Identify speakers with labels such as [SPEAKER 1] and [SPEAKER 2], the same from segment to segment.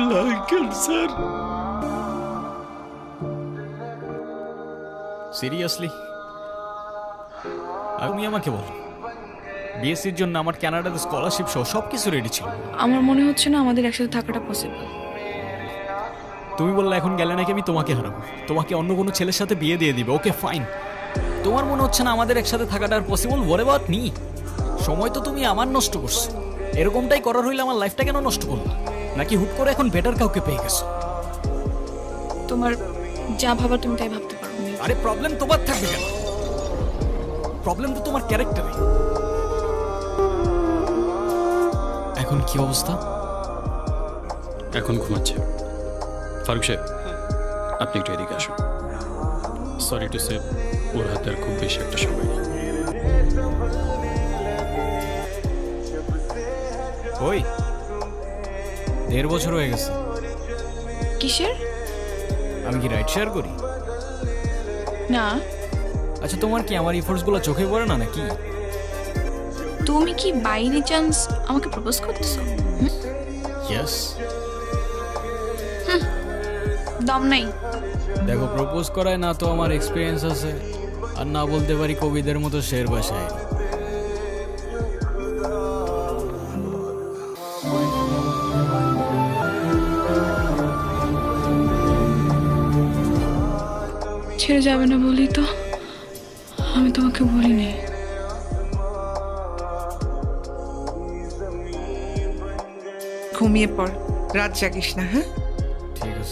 [SPEAKER 1] Uncle sir.
[SPEAKER 2] Seriously আপনি আমাকে বলো, বিএসসির জন্য আমার কানাডাতে স্কলারশিপ সহ সবকিছু রেডি ছিল।
[SPEAKER 3] আমার মনে হচ্ছে না আমাদের একসাথে থাকাটা পসিবল।
[SPEAKER 2] তুমি বললে এখন গেলে নাকি আমি তোমাকে হারাবো, তোমাকে অন্য কোনো ছেলের সাথে বিয়ে দিয়ে দিবে। ওকে ফাইন, তোমার মনে হচ্ছে না আমাদের একসাথে থাকাটা আর পসিবল? What about me? সময় তো তুমি আমার নষ্ট করছো, এরকমটাই করার হইলে আমার লাইফটা কেন নষ্ট করলো? নাকি হুট করে এখন বেটার কাউকে পেয়ে গেছো?
[SPEAKER 3] তোমার যা ভাবার তুমি তাই ভাবতে পারো।
[SPEAKER 2] আরে প্রবলেম তোমার থাকবে কেন? প্রবলেম তো তোমার ক্যারেক্টারে। এখন কি অবস্থা?
[SPEAKER 1] এখন ঘুমাচ্ছে। ফারুক সাহেব, আপনি একটু এদিকে আসুন। সরি টু সে, ওর হাতে আর খুব বেশি একটা সময় নেই।
[SPEAKER 2] ওই 1.5 বছর হয়ে গেছে।
[SPEAKER 3] কিসের?
[SPEAKER 2] আমি কি রাইড শেয়ার করি?
[SPEAKER 3] না।
[SPEAKER 2] আচ্ছা, তোমার কি আমার এফোর্টস গুলো চোখে পড়ে না নাকি?
[SPEAKER 3] তুমি কি বাই এনি চান্স আমাকে প্রপোজ করতেছো?
[SPEAKER 2] ইয়েস।
[SPEAKER 3] দম নাই।
[SPEAKER 2] দেখো, প্রপোজ করায় না তো আমার এক্সপিরিয়েন্স আছে, আর না বলতে পারি কবিদের মতো শের বাসায়।
[SPEAKER 3] ছেড়ে যাবে না বলি তো আমি তোমাকে বলিনি।
[SPEAKER 4] ঘুমিয়ে পড়, রাত জাগিস না। হ্যাঁ,
[SPEAKER 2] ঠিক আছে।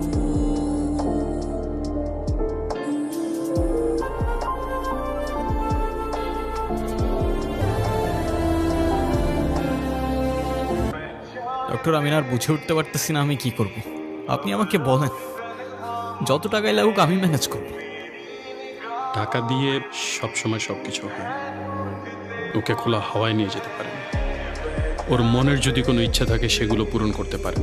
[SPEAKER 2] ডক্টর, আমি আর বুঝে উঠতে পারতেছি না আমি কি করব। আপনি আমাকে বলেন, যত টাকাই লাগুক আমি ম্যানেজ করব।
[SPEAKER 1] টাকা দিয়ে সবসময় সবকিছু হয়। ওকে খোলা হাওয়ায় নিয়ে যেতে পারেন। ওর মনের যদি কোনো ইচ্ছা থাকে সেগুলো পূরণ করতে পারেন।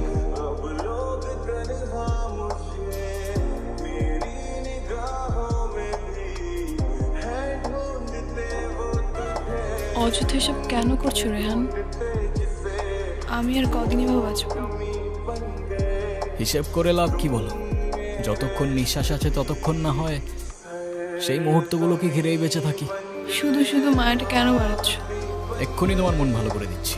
[SPEAKER 3] অযথা এসব কেন করছো রেহান? আমি আর কদিন এভাবে বাঁচবো?
[SPEAKER 2] হিসেব করে লাভ কি বলো? যতক্ষণ নিঃশ্বাস আছে ততক্ষণ না হয় সেই মুহূর্তগুলোকে ঘিরেই বেঁচে থাকি।
[SPEAKER 3] শুধু শুধু মায়াটা কেন বাড়াচ্ছ?
[SPEAKER 2] এক্ষুনি তোমার মন ভালো করে দিচ্ছি।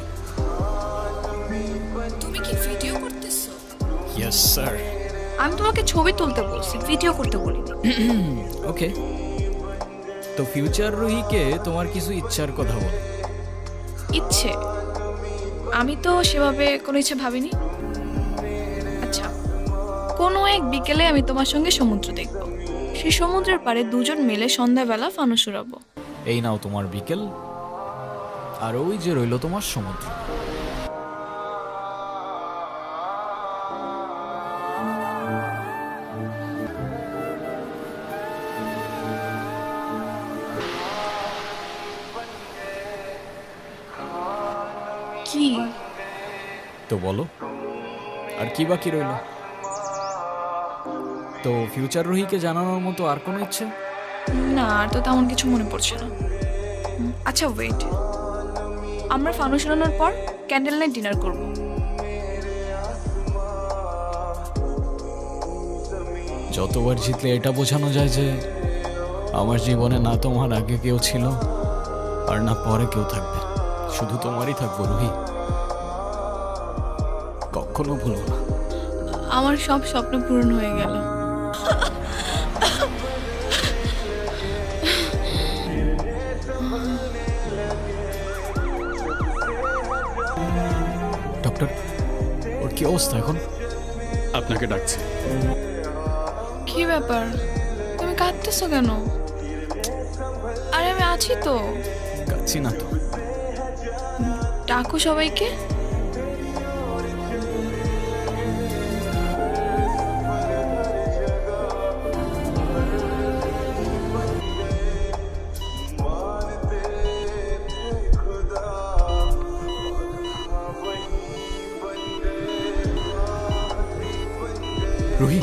[SPEAKER 3] তুমি কি ভিডিও করতেছো?
[SPEAKER 2] Yes sir.
[SPEAKER 3] আমি তোমাকে ছবি তুলতে বলছি, ভিডিও করতে বলিনি।
[SPEAKER 2] ওকে, তো ফিউচার রুহিকে তোমার কিছু ইচ্ছার কথা বল।
[SPEAKER 3] ইচ্ছে? আমি তো সেভাবে কোনো ইচ্ছে ভাবিনি। আচ্ছা, কোনো এক বিকেলে আমি তোমার সঙ্গে সমুদ্র দেখব। সেই সমুদ্রের পাড়ে দুজন মিলে সন্ধ্যাবেলা ফানুস উড়াবো।
[SPEAKER 2] এই নাও তোমার বিকেল, আর ওই যে রইল তোমার সমুদ্র।
[SPEAKER 3] কি?
[SPEAKER 2] তো বলো, আর কি বাকি রইল? তো ফিউচার রুহিকে জানানোর মতো আর কোনো ইচ্ছে?
[SPEAKER 3] না, আর তো তেমন কিছু মনে পড়ছে না। আচ্ছা ওয়েট, আমরা ফানুস উড়ানোর পর ক্যান্ডেল নাইট ডিনার করব।
[SPEAKER 2] যতবার জিতলে এটা বোঝানো যায় যে আমার জীবনে না তোমার আগে কেউ ছিল আর না পরে কেউ থাকবে, শুধু তোমারই থাকবো রুহি। কখনো ভুলবো না।
[SPEAKER 3] আমার সব স্বপ্ন পূরণ হয়ে গেল।
[SPEAKER 2] ডক্টর, ওর কি অবস্থা এখন?
[SPEAKER 1] আপনাকে ডাকছে।
[SPEAKER 3] কি ব্যাপার, তুমি কাঁদতেছো কেন? আরে আমি আছি তো।
[SPEAKER 2] কাচ্ছি না তো।
[SPEAKER 3] ডাকো সবাইকে।
[SPEAKER 2] রুহি,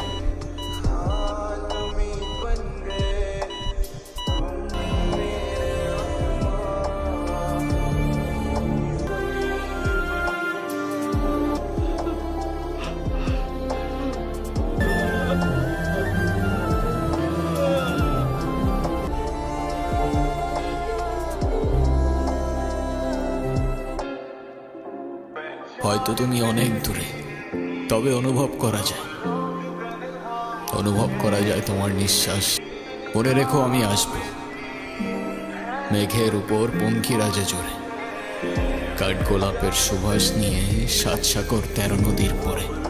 [SPEAKER 2] হয়তো তুমি অনেক দূরে, তবে অনুভব করা যায়, অনুভব করা যায় তোমার নিঃশ্বাস। মনে রেখো আমি আসব, মেঘের উপর পঙ্খিরাজে জোরে, কাঠগোলাপের সুবাস নিয়ে 7 সাগর 13 নদীর পরে।